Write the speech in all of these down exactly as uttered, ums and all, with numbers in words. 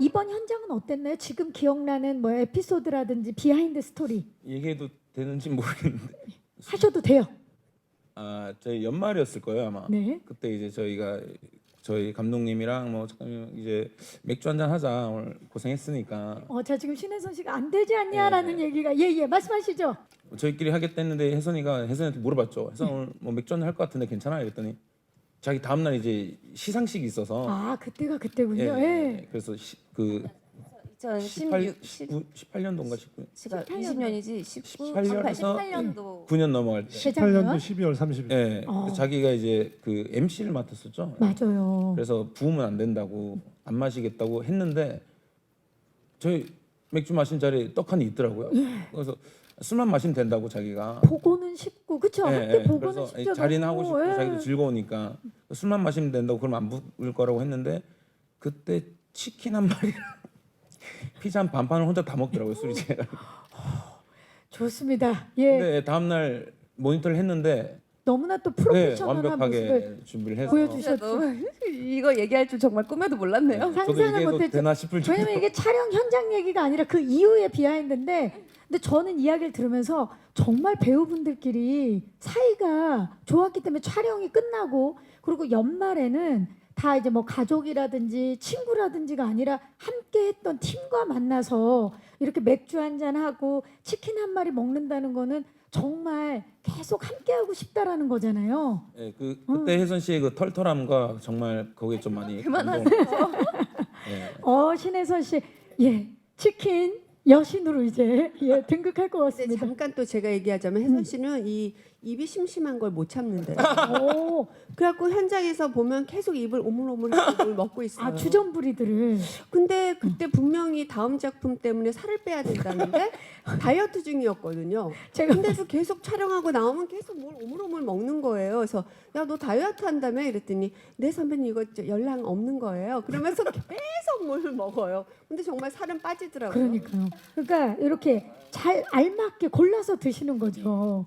이번 현장은 어땠나요? 지금 기억나는 뭐 에피소드라든지 비하인드 스토리 얘기해도 되는지 모르겠는데 하셔도 돼요. 아 저희 연말이었을 거예요 아마. 네. 그때 이제 저희가 저희 감독님이랑 뭐 작가님 이제 맥주 한잔 하자 오늘 고생했으니까 어, 자 지금 신혜선 씨가 안 되지 않냐라는 네. 얘기가 예예 말씀하시죠. 저희끼리 하겠다 했는데 혜선이가 혜선이한테 물어봤죠. 혜선 오늘 뭐 맥주 한잔 할 것 같은데 괜찮아? 이랬더니 자기 다음 날 이제 시상식이 있어서 아 그때가 그때군요. 예, 예. 예. 그래서 시, 그 십팔, 이천십육, 십구, 십팔 년도인가 십구 년 이십 년이지 십구, 십팔 년에서 십팔 년도 구 년 넘어갈 때. 재작년? 십팔 년도 십이월 삼십일. 예. 어. 그래서 자기가 이제 그 엠씨를 맡았었죠. 맞아요. 그래서 부으면 안 된다고 안 마시겠다고 했는데 저희 맥주 마신 자리에 떡하니 있더라고요. 그래서 술만 마시면 된다고 자기가. 보고는 쉽고 그쵸? 예, 한때 예. 보고는 그래서 쉽죠. 자리는 하고 싶고 예. 자기도 즐거우니까 술만 마시면 된다고 그러면 안 부을 거라고 했는데 그때 치킨 한 마리랑 피자 한 반판을 혼자 다 먹더라고요 술이 제가. 좋습니다. 예. 근데 다음 날 모니터를 했는데 너무나 또 네, 프로페셔널한 모습을 완벽하게 준비를 해서 보여주셨죠. 진짜 너무 이거 얘기할 줄 정말 꿈에도 몰랐네요. 저도 상상을 얘기해도 못했죠. 되나 싶을 정도. 왜냐면 이게 촬영 현장 얘기가 아니라 그 이후의 비하인드인데 근데 저는 이야기를 들으면서 정말 배우분들끼리 사이가 좋았기 때문에 촬영이 끝나고 그리고 연말에는 다 이제 뭐 가족이라든지 친구라든지가 아니라 함께 했던 팀과 만나서 이렇게 맥주 한잔 하고 치킨 한 마리 먹는다는 거는 정말 계속 함께 하고 싶다라는 거잖아요. 예, 그 그때 혜선 씨의 그 털털함과 정말 거기에 좀 많이 그만하세요. 감동. 예. 어 신혜선 씨, 예 치킨 여신으로 이제 예 등극할 것 근데 같습니다. 잠깐 또 제가 얘기하자면 혜선 씨는 이 입이 심심한 걸 못 참는데. 오, 그래갖고 현장에서 보면 계속 입을 오물오물 뭘 먹고 있어요. 아 주전부리들을 근데 그때 분명히 다음 작품 때문에 살을 빼야 된다는데 다이어트 중이었거든요. 제가 근데도 계속 촬영하고 나오면 계속 뭘 오물오물 먹는 거예요. 그래서 야 너 다이어트 한다며 이랬더니 네 선배님 이거 저 연락 없는 거예요. 그러면서 계속 뭘 먹어요. 근데 정말 살은 빠지더라고요. 그러니까요. 그러니까 이렇게 잘 알맞게 골라서 드시는 거죠.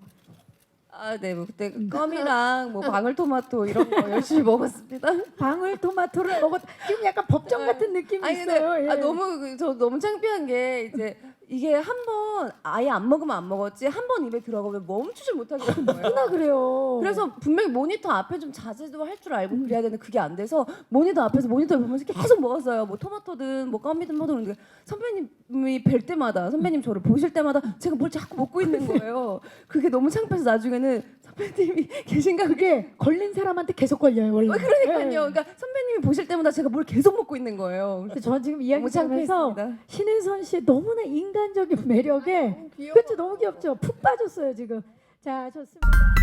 아, 네, 뭐 그때 껌이랑 뭐 방울토마토 이런 거 열심히 먹었습니다. 방울토마토를 먹었. 지금 약간 법정 같은 느낌이 아니 근데 있어요. 예. 아, 너무 그- 저 너무 창피한 게 이제 이게 한 번 아예 안 먹으면 안 먹었지 한 번 입에 들어가면 멈추질 못하겠는 거예요. 누나 그래요. 그래서 분명히 모니터 앞에 좀 자제도 할 줄 알고 그래야 되는데 그게 안 돼서 모니터 앞에서 모니터 보면서 계속 먹었어요. 뭐 토마토든 뭐 껌이든 뭐든 그런데 선배님이 뵐 때마다 선배님 저를 보실 때마다 제가 뭘 자꾸 먹고 있는 거예요. 그게 너무 창피해서 나중에는 선배님이 계신가 그게 그게 걸린 사람한테 계속 걸려요 원래. 어, 그러니까요. 예. 그러니까 선배님이 보실 때마다 제가 뭘 계속 먹고 있는 거예요. 근데 저 지금 이야기 너무 들으면서 창피했습니다. 신혜선 씨의 너무나 인간적인 매력에 귀여워. 그렇죠 너무 귀엽죠. 푹 빠졌어요 지금. 자 좋습니다.